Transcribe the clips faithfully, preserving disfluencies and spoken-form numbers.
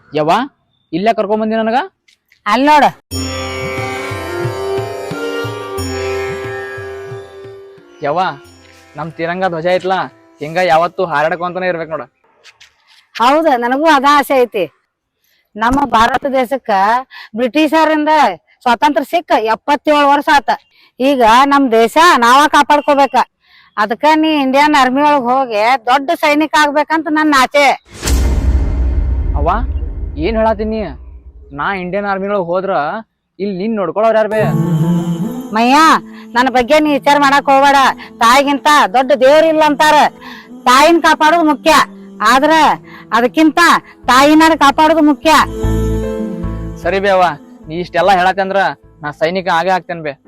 ಯವ್ವ ಇಲ್ಲೇ ಕರ್ಕೊಂಡ್ ಬಂದಿ ನನಗ. ಅಲ್ಲಿ ನೋಡ. ಯವ್ವ ನಮ್ ತಿರಂಗ ಧ್ವಜ ಐತ್ಲಾ ಹಿಂಗ ಯಾವತ್ತು ಹಾರಾಡ್ಕೊಂತಾನೆ ಇರ್ಬೇಕು ನೋಡ. ಹೌದ, ನನಗೂ ಅದ ಆಸೆ ಐತಿ. ನಮ್ಮ ಭಾರತ ದೇಶಕ್ಕ ಬ್ರಿಟಿಷರಿಂದ ಸ್ವಾತಂತ್ರ್ಯ ಸಿಕ್ಕ ಎಪ್ಪತ್ತೇಳು ವರ್ಷ ಆತ. ಈಗ ನಮ್ ದೇಶ ನಾವ ಕಾಪಾಡ್ಕೋಬೇಕ. ಅದಕ್ಕ ನೀ ಇಂಡಿಯನ್ ಆರ್ಮಿ ಒಳಗ್ ಹೋಗಿ ದೊಡ್ಡ ಸೈನಿಕ ಆಗ್ಬೇಕಂತ ನನ್ನ ಆಸೆ. ಅವ್ವ ಏನ್ ಹೇಳತ್ತೀನಿ, ನಾ ಇಂಡಿಯನ್ ಆರ್ಮಿ ಒಳಗ್ ಹೋದ್ರ ಇಲ್ಲಿ ನಿನ್ ನೋಡ್ಕೊಳ್ಳೋರ್ ಯಾರ ಬೇ? ಮಯ್ಯ, ನನ್ನ ಬಗ್ಗೆ ನೀ ವಿಚಾರ ಮಾಡಕ್ ಹೋಗ್ಬೇಡ. ತಾಯಿಗಿಂತ ದೊಡ್ಡ ದೇವ್ರ ಇಲ್ಲ ಅಂತಾರ. ತಾಯಿನ ಕಾಪಾಡೋದು ಮುಖ್ಯ, ಆದ್ರ ಅದಕ್ಕಿಂತ ತಾಯಿನಾರ ಕಾಪಾಡೋದು ಮುಖ್ಯ. ಸರಿ ಬೇ ಅವ್ವ, ನೀ ಇಷ್ಟೆಲ್ಲಾ ಹೇಳತ್ತೆ ಅಂದ್ರ ನಾ ಸೈನಿಕ ಆಗೇ ಆಗ್ತೇನೆ ಬೇ.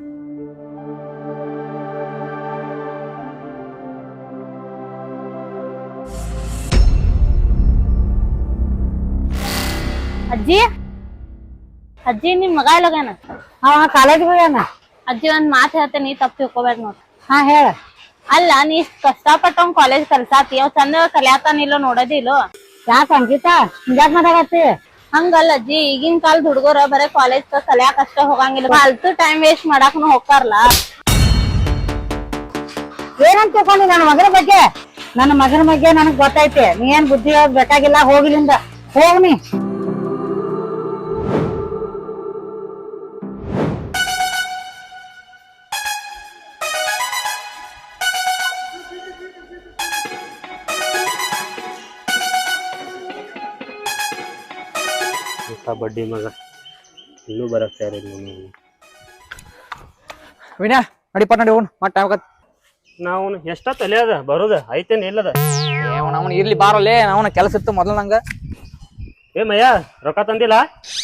ಅಜ್ಜಿ ಅಜ್ಜಿ ನಿಮ್ ಮಗ ಎಲ್ಲೋಗ್ಯಾನ? ಅವ ಕಾಲೇಜ್ ಹೋಗ್ಯಾನ. ಅಜ್ಜಿ ಒಂದ್ ಮಾತ್ ಹೇಳ್ತೇನಿ, ತಪ್ಪು ತಿಳ್ಕೊಬೇಡ ನೋಡ್. ಹಾ ಹೇಳ. ಅಲ್ಲ, ನೀ ಇಷ್ಟ ಕಷ್ಟಪಟ್ಟ ಅವ್ನ್ ಕಾಲೇಜ್ ಕಲ್ಸಾತಿ, ಅವ್ ಚಂದ ಕಲ್ಯಾತಾನಿಲ್ಲೋ ನೋಡೋದಿಲ್ಲೋ? ಯಾಕ ಅಂಕಿತಾ ಹಿಂಗ್ಯಾಕ್ ಮಾತಾಡತ್ತಿ? ಹಂಗಲ್ಲ ಅಜ್ಜಿ, ಈಗಿನ ಕಾಲದ ಹುಡುಗರ ಬರೇ ಕಾಲೇಜ್ ಕಲ್ಯಾಕ್ ಅಷ್ಟ ಹೋಗಂಗಿಲ್ಲ, ಫಾಲ್ತು ಟೈಮ್ ವೇಸ್ಟ್ ಮಾಡಾಕನು ಹೋಗ್ತಾರಲ್ಲ. ಏನಂತ ತಿಳ್ಕೊಂಡಿ ನನ್ನ ಮಗನ ಬಗ್ಗೆ? ನನ್ನ ಮಗನ ಬಗ್ಗೆ ನನಗ್ ಗೊತ್ತೈತಿ. ನೀ ಏನ್ ಬುದ್ಧಿ ಹೇಳೋದ್ ಬೇಕಾಗಿಲ್ಲ, ಹೋಗಿಲಿಂದ ಹೋಗ್ನಿ. ಬಡ್ಡಿ ಮಗ ಇನ್ನೂ ಬರಕ್ ತಯಾರಿಲ್ಲ. ವಿನಯ ನಡಿ ಪಟ್ ನಡಿ ಹೋಗೋಣ, ಮತ್ ಟೈಮ್ ಆಗತ್. ನಾವು ಎಷ್ಟ ತಲೆ ಅದ ಬರೋದ ಐತೇನ್ ಇಲ್ಲದ? ಅವನ ಇರ್ಲಿ ಬಾರಲ್ಲೇ, ಅವನ ಕೆಲಸ ಇತ್ತು ಮೊದಲು ನಂಗ. ಏ ಮಯ್ಯ, ರೊಕ್ಕ ತಂದಿಲ್ಲ?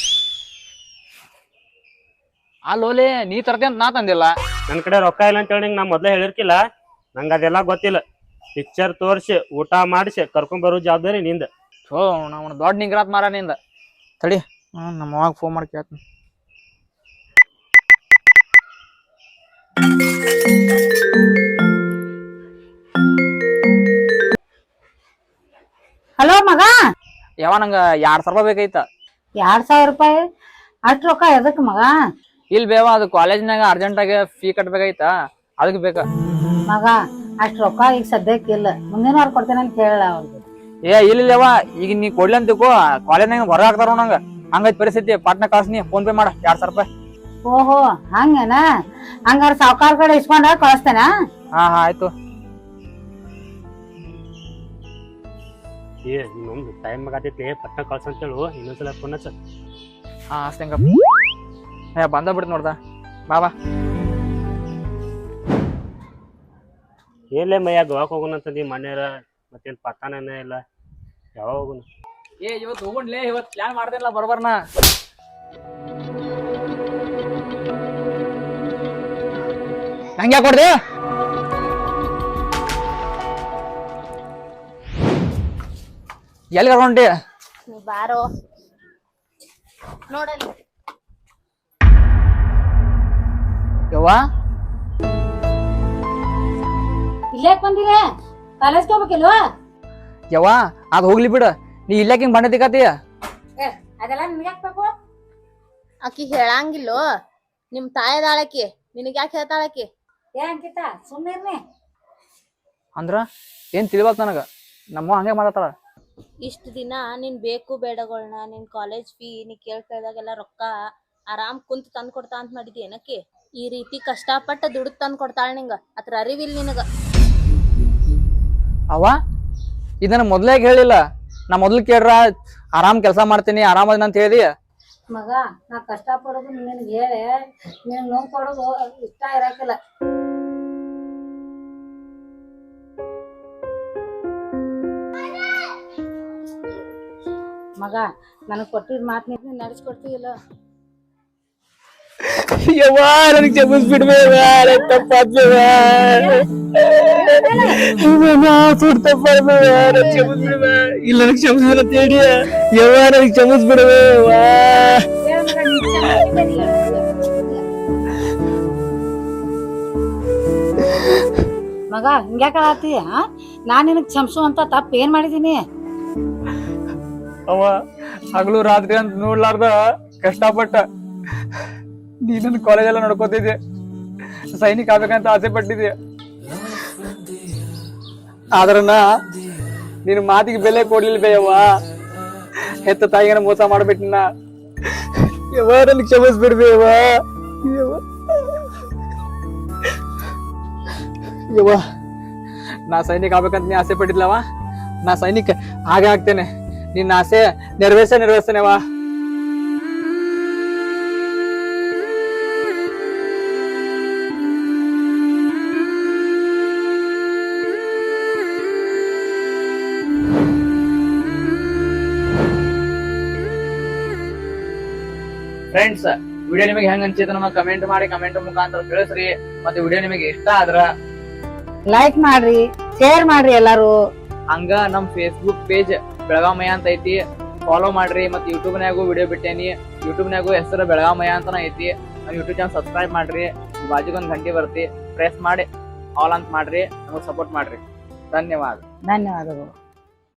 ಅಲ್ಲೋಲೆ ನೀ ತರ್ತಿ ಅಂತ ನಾ ತಂದಿಲ್ಲ. ನನ್ ಕಡೆ ರೊಕ್ಕ ಇಲ್ಲ ಅಂತ ಹೇಳಿ ನಾ ಮೊದ್ಲೇ ಹೇಳಿರ್ಕಿಲ್ಲ. ನಂಗ ಅದೆಲ್ಲ ಗೊತ್ತಿಲ್ಲ. ಪಿಕ್ಚರ್ ತೋರ್ಸಿ ಊಟ ಮಾಡಿಸಿ ಕರ್ಕೊಂಡ್ ಬರೋ ಜವಾಬ್ದಾರಿ ನಿಂದ. ಹೋ ನಾವು ದೊಡ್ಡ ನಿಂಗ್ರಾತ್ ಮಾರ ನಿಂದ. ತಡಿ, ಹ್ಮ್ ನಮ್ಮ ಅವಾಗ ಫೋನ್ ಮಾಡಿ ಕೇಳ್ತೀನಿ. ಹಲೋ ಮಗ. ಯಾವ ನಂಗ ಎರಡ್ ಸಾವಿರ ರೂಪಾಯಿ ಬೇಕೈತ. ಎರಡ್ ಸಾವಿರ ರೂಪಾಯಿ ಅಷ್ಟ್ ರೊಕ್ಕ ಎದಕ್ ಮಗ? ಇಲ್ ಬೇವ, ಅದು ಕಾಲೇಜ್ನಾಗ ಅರ್ಜೆಂಟ್ ಆಗಿ ಫೀ ಕಟ್ಬೇಕಾಯ್ತ, ಅದಕ್ ಬೇಕ. ಮಗ ಅಷ್ಟ್ ರೊಕ್ಕ ಈಗ ಸದ್ಯಕ್ಕೆ ಇಲ್ಲ, ಮುಂದಿನ ವಾರ ಕೊಡ್ತೇನೆ ಅಂತ ಹೇಳ ಅವ್ರಿಗೆ. ಏ ಇಲ್ಲ ಈಗ ನೀ ಕೊಡ್ಲಿ ಅಂತಿಕೋ, ಕಾಲೇಜ್ನಾಗ ಹೊರ ಹಾಕ್ತಾರ ನಂಗ. ಹಂಗೈತ್ ಪರಿಸ್ಥಿತಿ, ಪಾಟ್ನ ಕಳ್ಸಿನಿ, ಫೋನ್ ಪೇ ಮಾಡ ಎರಡ್ ಸಾವಿರ ರೂಪಾಯಿ. ಓಹೋ ಹಂಗೇನ? ಹಂಗಾರ ಸಾವ್ಕಾರ ಕಡೆ ಇಸ್ಕೊಂಡ ಕಳಿಸ್ತೇನ? ಹಾ ಹಾ ಆಯ್ತು. ಏ ಇನ್ನೊಂದು ಟೈಮ್ ಆಗತೈತಿ, ಪಟ್ಟ ಕಳ್ಸ ಅಂತ ಹೇಳು. ಇನ್ನೊಂದ್ಸಲ ಫೋನ್ ಹಚ್ಚ. ಹಾ ಅಷ್ಟಂಗ ಏ ಬಂದ ಬಿಡ್ತು ನೋಡ್ದ. ಬಾ ಬಾ. ಏನ್ಲೇ ಮಯ್ಯ, ಗೋವಾಕ್ ಹೋಗೋಣ ಅಂತಂದಿ ಮನ್ಯಾರ, ಮತ್ತೇನ್ ಪತ್ತಾನೇನ ಇಲ್ಲ. ಯಾವಾಗ ಹೋಗೋಣ? ಏ ಇವತ್ತು ಹೋಗೋಣ್ಲೇ, ಇವತ್ತು ಪ್ಲಾನ್ ಮಾಡ್ದಿಲ್ಲ ಬರೋಬರ್ನ. ನಂಗೆ ಕೊಡ್ದೆ ಎಲ್ಲಿ ಕರ್ಕೊಂಡಿ? ನೀ ಬಾರೋ ನೋಡಲ್ಲಿ. ಯವ್ವ ಇಲ್ಲೇ ಬಂದಿರ? ಕಾಲೇಜ್ಗೆ ಹೋಗ್ಬೇಕಿಲ್ವಾ? ಯವ್ವ ಅದ್ ಹೋಗ್ಲಿ ಬಿಡ, ನೀ ಇಲ್ಲಾಕ ಹಿಂಗ್ ಬಂಡೆ ತಿಕ್ಕತಿ? ಅದೆಲ್ಲ ನಿನ್ಗಾಕ್ಬೇಕು? ಆಕಿ ಹೇಳಂಗಿಲ್ಲೋ, ನಿಮ್ ತಾಯದಾಳಕಿ, ನಿನಗ್ ಯಾಕೆ ಹೇಳ್ತಾಳಕಿ? ಏ ಅಂಕಿತ ಸುಮ್ಮನೆ ಅಂದ್ರ ಏನ್ ತಿಳಿವಲ್ತ ನನಗ. ನಮ್ಮ ಹಂಗೆ ಮಾತಾಡ್ತಾಳ. ಇಷ್ಟ ದಿನ ನೀನ್ ಬೇಕು ಬೇಡಗಳನ್ನ, ನಿನ್ ಕಾಲೇಜ್ ಫೀ ನೀ ಕೇಳ್ ಕೇಳ್ದಾಗೆಲ್ಲ ರೊಕ್ಕ ಆರಾಮ್ ಕುಂತ್ ತಂದ್ ಕೊಡ್ತಾ ಅಂತ ಮಾಡಿದಿ ಏನಕಿ? ಈ ರೀತಿ ಕಷ್ಟಪಟ್ಟ ದುಡ್ಡು ತಂದ್ ಕೊಡ್ತಾಳ ನಿಂಗ, ಅದ್ರ ಅರಿವಿಲ್ ನಿನಗ. ಅವ ಇದನ್ನ ಮೊದ್ಲಾಗ ಹೇಳಿಲ್ಲ. ನಾ ಮೊದ್ಲು ಕೇಳ್ರ ಆರಾಮ್ ಕೆಲ್ಸ ಮಾಡ್ತೀನಿ ಆರಾಮದಿನ ಅಂತ ಹೇಳಿ. ಮಗ ನಾ ಕಷ್ಟ ಪಡೋದು ನಿನಗೆ ಹೇಳಿ ನೀನ್ ನೋವು ಕೊಡೋದು ಇಷ್ಟ ಇರಕಿಲ್ಲ. ಮಗ ನನಗ್ ಕೊಟ್ಟಿದ್ ಮಾತ್ ನೀನ್ ನಡೆಸ್ಕೊಡ್ತೀವಿಲ್ಲ? ಯವ್ವ ನನಗೆ ಕ್ಷಮಿಸ್ಬಿಡ್ಬೇವ, ತಪ್ಪಾದ್ಬೇವ, ತಪ್ಪಾದ್ಬೇವ, ಕ್ಷಮಿಸ್ಬಿಡ್ಬೇವ. ಇಲ್ಲ ನನಗೆ ಕ್ಷಮಿಸಿದ್ರ ತೇಡಿ ಯವ್ವ, ನನಗೆ ಕ್ಷಮಿಸ್ಬಿಡ್ಬೇವ. ಮಗ ಹಿಂಗ್ಯಾಕ ಆತಿ? ನಾನ್ ನಿನಗ್ ಕ್ಷಮಿಸು ಅಂತ ತಪ್ಪ ಏನ್ ಮಾಡಿದೀನಿ? ಅವ ಹಗಲು ರಾತ್ರಿ ಅಂತ ನೋಡ್ಲಾರ್ದ ಕಷ್ಟಪಟ್ಟ ನೀ ನನ್ನ ಕಾಲೇಜ್ ಎಲ್ಲ ನೋಡ್ಕೋತಿದ್ದೆ, ಸೈನಿಕ ಆಗ್ಬೇಕಂತ ಆಸೆ ಪಟ್ಟಿದ್ದೆ. ಆದ್ರ ನಾ ನಿನ್ ಮಾತಿಗೆ ಬೆಲೆ ಕೊಡ್ಲಿಲ್ಲ ಬೇಯವ್ವ. ಹೆತ್ತ ತಾಯಿಗನ ಮೋಸ ಮಾಡ್ಬಿಟ್ಟಿನ. ಯವ್ವ ನನ್ ಕ್ಷಮಿಸ್ಬಿಡ್ಬೇವ. ಯವ್ವ ಯವ್ವ ನಾ ಸೈನಿಕ ಆಗ್ಬೇಕಂತ ನೀ ಆಸೆ ಪಟ್ಟಿದ್ಲವ, ನಾ ಸೈನಿಕ ಹಾಗೆ ಆಗ್ತೇನೆ. ನಿನ್ನ ಆಸೆ ನೆರವೇರ್ಸ ನೆರವೇರ್ಸ್ತೇನೆವಾ. ಫ್ರೆಂಡ್ಸ್, ವಿಡಿಯೋ ನಿಮಗೆ ಹೆಂಗ್ ಅನ್ಸಿತ್ತು ನಮ್ಮ ಕಮೆಂಟ್ ಮಾಡಿ, ಕಮೆಂಟ್ ಮುಖಾಂತರ ತಿಳಿಸ್ರಿ. ಮತ್ತೆ ವಿಡಿಯೋ ನಿಮಗೆ ಇಷ್ಟ ಆದ್ರ ಲೈಕ್ ಮಾಡ್ರಿ, ಶೇರ್ ಮಾಡ್ರಿ ಎಲ್ಲಾರು. ಹಂಗ ನಮ್ ಫೇಸ್ಬುಕ್ ಪೇಜ್ ಬೆಳಗಾಮಯ್ಯ ಅಂತ ಐತಿ, ಫಾಲೋ ಮಾಡ್ರಿ. ಮತ್ತೆ ಯೂಟ್ಯೂಬ್ ನಾಗೂ ವಿಡಿಯೋ ಬಿಟ್ಟೇನಿ, ಯೂಟ್ಯೂಬ್ ನಾಗೂ ಹೆಸರು ಬೆಳಗಾಮಯ್ಯ ಅಂತಾನ ಐತಿ. ನಮ್ ಯೂಟ್ಯೂಬ್ ಚಾನಲ್ ಸಬ್ಸ್ಕ್ರೈಬ್ ಮಾಡ್ರಿ, ಬಾಜುಗೊಂದ್ ಗಂಟೆ ಬರ್ತಿ ಪ್ರೆಸ್ ಮಾಡಿ ಆಲ್ ಅಂತ ಮಾಡ್ರಿ, ನಮಗ್ ಸಪೋರ್ಟ್ ಮಾಡ್ರಿ. ಧನ್ಯವಾದ. ಧನ್ಯವಾದಗಳು.